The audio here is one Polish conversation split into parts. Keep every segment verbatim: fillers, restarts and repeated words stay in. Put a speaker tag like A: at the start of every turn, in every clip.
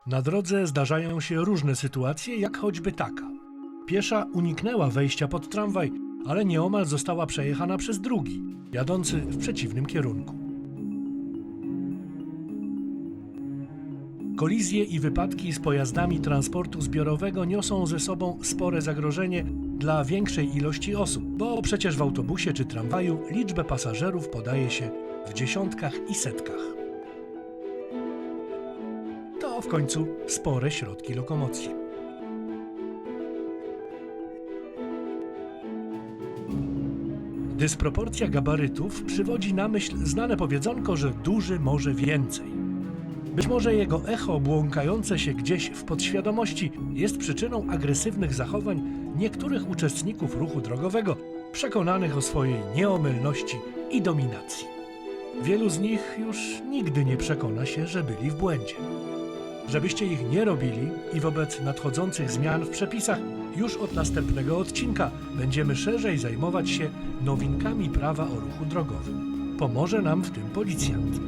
A: Na drodze zdarzają się różne sytuacje, jak choćby taka. Piesza uniknęła wejścia pod tramwaj, ale nieomal została przejechana przez drugi, jadący w przeciwnym kierunku. Kolizje i wypadki z pojazdami transportu zbiorowego niosą ze sobą spore zagrożenie dla większej ilości osób, bo przecież w autobusie czy tramwaju liczbę pasażerów podaje się w dziesiątkach i setkach. To w końcu spore środki lokomocji. Dysproporcja gabarytów przywodzi na myśl znane powiedzonko, że duży może więcej. Być może jego echo błąkające się gdzieś w podświadomości jest przyczyną agresywnych zachowań niektórych uczestników ruchu drogowego, przekonanych o swojej nieomylności i dominacji. Wielu z nich już nigdy nie przekona się, że byli w błędzie. Żebyście ich nie robili i wobec nadchodzących zmian w przepisach, już od następnego odcinka będziemy szerzej zajmować się nowinkami prawa o ruchu drogowym. Pomoże nam w tym policjant.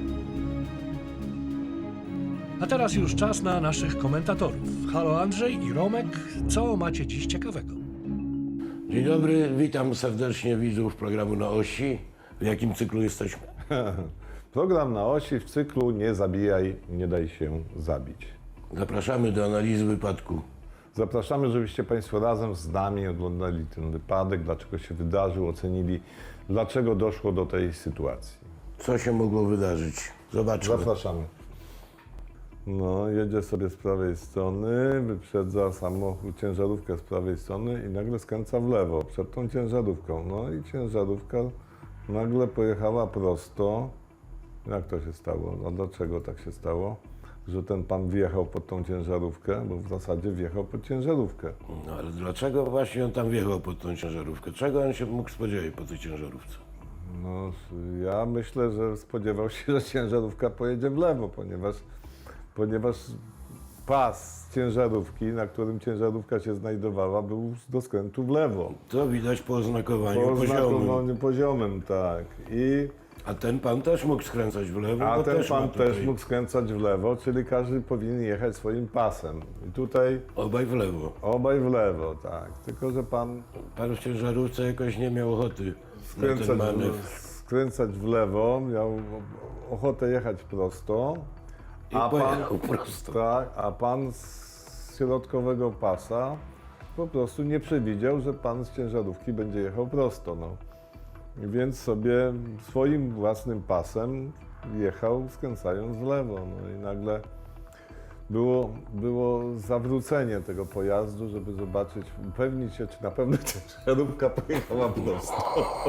A: A teraz już czas na naszych komentatorów. Halo Andrzej i Romek, co macie dziś ciekawego?
B: Dzień dobry, witam serdecznie widzów programu Na Osi. W jakim cyklu jesteśmy?
C: Program Na Osi w cyklu Nie zabijaj, nie daj się zabić.
B: Zapraszamy do analizy wypadku.
C: Zapraszamy, żebyście Państwo razem z nami oglądali ten wypadek, dlaczego się wydarzył, ocenili, dlaczego doszło do tej sytuacji.
B: Co się mogło wydarzyć? Zobaczmy.
C: Zapraszamy. No, jedzie sobie z prawej strony, wyprzedza samochód, ciężarówkę z prawej strony i nagle skręca w lewo przed tą ciężarówką. No i ciężarówka nagle pojechała prosto. Jak to się stało? A dlaczego tak się stało? Że ten pan wjechał pod tą ciężarówkę, bo w zasadzie wjechał pod ciężarówkę.
B: No ale dlaczego właśnie on tam wjechał pod tą ciężarówkę? Czego on się mógł spodziewać po tej ciężarówce?
C: No, ja myślę, że spodziewał się, że ciężarówka pojedzie w lewo, ponieważ, ponieważ pas ciężarówki, na którym ciężarówka się znajdowała, był do skrętu w lewo.
B: To widać po oznakowaniu
C: Po
B: poziomym.
C: oznakowaniu poziomem, tak. I,
B: A ten pan też mógł skręcać w lewo,
C: a
B: bo
C: ten
B: też ma
C: pan
B: tutaj
C: też mógł skręcać w lewo, czyli każdy powinien jechać swoim pasem. I tutaj
B: obaj w lewo.
C: obaj w lewo, tak. Tylko że pan
B: Pan w ciężarówce jakoś nie miał ochoty na ten
C: skręcać
B: manewr.
C: w, skręcać w lewo, miał ochotę jechać prosto.
B: I pojechał prosto.
C: Tak, a pan z środkowego pasa po prostu nie przewidział, że pan z ciężarówki będzie jechał prosto. No. I więc sobie swoim własnym pasem jechał, skręcając w lewo. No i nagle było, było zawrócenie tego pojazdu, żeby zobaczyć, upewnić się, czy na pewno ciężarówka pojechała prosto.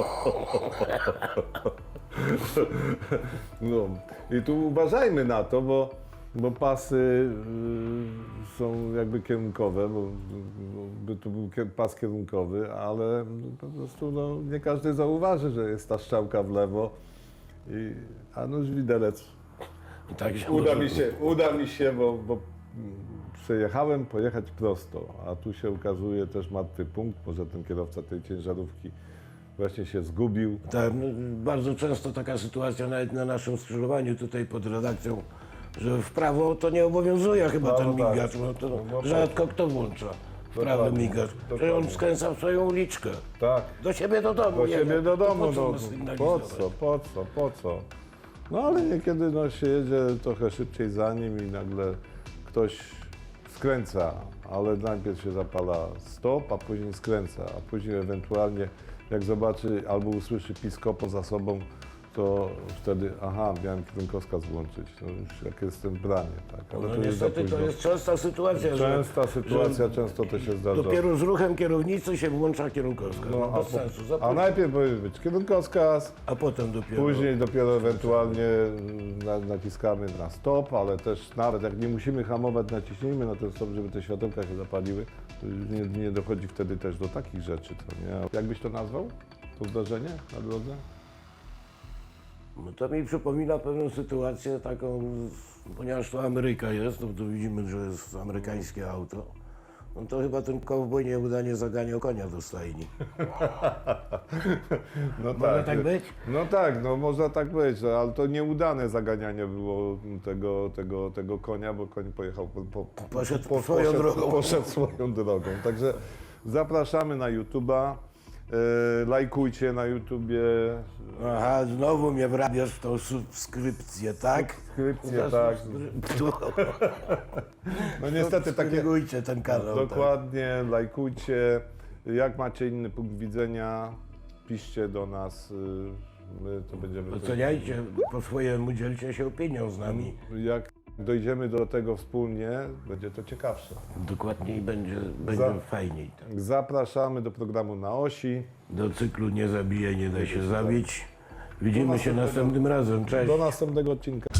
C: No. I tu uważajmy na to, bo, bo pasy y, są jakby kierunkowe, bo, bo to był kier- pas kierunkowy, ale po prostu no, nie każdy zauważy, że jest ta strzałka w lewo. I, a nóż widelec.
B: I tak się
C: Uda
B: może-
C: mi się, uda mi się, bo, bo przejechałem pojechać prosto, a tu się ukazuje też martwy punkt, może ten kierowca tej ciężarówki właśnie się zgubił.
B: Tak, no, bardzo często taka sytuacja nawet na naszym skrzyżowaniu tutaj pod redakcją, że w prawo to nie obowiązuje chyba
C: No,
B: ten
C: no tak.
B: migacz, no to
C: No, no
B: rzadko kto włącza w prawy
C: Dokładnie,
B: migacz. Przecież on
C: dokładnie.
B: skręca w swoją uliczkę.
C: Tak.
B: Do siebie do domu.
C: Do
B: jedzie.
C: siebie do
B: To
C: domu,
B: po co
C: no,
B: ma
C: po
B: sygnalizować?
C: co, po co, po co? No ale niekiedy no, się jedzie trochę szybciej za nim i nagle ktoś skręca, ale najpierw się zapala stop, a później skręca, a później ewentualnie jak zobaczy albo usłyszy piskopo za sobą, to wtedy, aha, miałem kierunkowskaz włączyć, no już jak jestem branie, tak, ale
B: No
C: to jest za
B: niestety to
C: późno.
B: jest częsta sytuacja,
C: Częsta
B: że,
C: sytuacja,
B: że
C: często to się zdarza.
B: dopiero z ruchem kierownicy się włącza kierunkowskaz. No,
C: No, a,
B: bez
C: po,
B: sensu. Za
C: a
B: późno.
C: najpierw powinien być kierunkowskaz,
B: A potem dopiero.
C: później dopiero ewentualnie na, naciskamy na stop, ale też nawet jak nie musimy hamować, naciśnijmy na ten stop, żeby te światełka się zapaliły. To już nie, nie dochodzi wtedy też do takich rzeczy, co nie? Jak byś to nazwał? To zdarzenie na drodze?
B: No to mi przypomina pewną sytuację taką, ponieważ to Ameryka jest, no to widzimy, że jest amerykańskie auto. no to chyba ten kowboj nieudanie zaganiał konia do stajni.
C: No
B: Może tak być?
C: No tak, no można tak być, ale to nieudane zaganianie było tego, tego, tego konia, bo koń pojechał po, po,
B: Poszedł swoją drogą.
C: Poszedł swoją drogą. Także zapraszamy na YouTube'a, e, lajkujcie na YouTubie.
B: Aha, znowu mnie wrabiasz w tą subskrypcję, tak?
C: Subskrypcję,
B: Za
C: tak.
B: subskryp-
C: No niestety takie...
B: Subskrybujcie ten kanał. Tak.
C: Dokładnie, lajkujcie. Jak macie inny punkt widzenia, piszcie do nas. y, My to będziemy.
B: Oceniajcie po swojemu, dzielcie się opinią z nami.
C: Jak dojdziemy do tego wspólnie, będzie to ciekawsze.
B: Dokładniej będzie, będzie
C: Za-
B: fajniej. Tak.
C: Zapraszamy do programu Na Osi.
B: Do cyklu Nie zabije, nie da się zabić. Widzimy się następnym razem. Cześć.
C: Do następnego odcinka.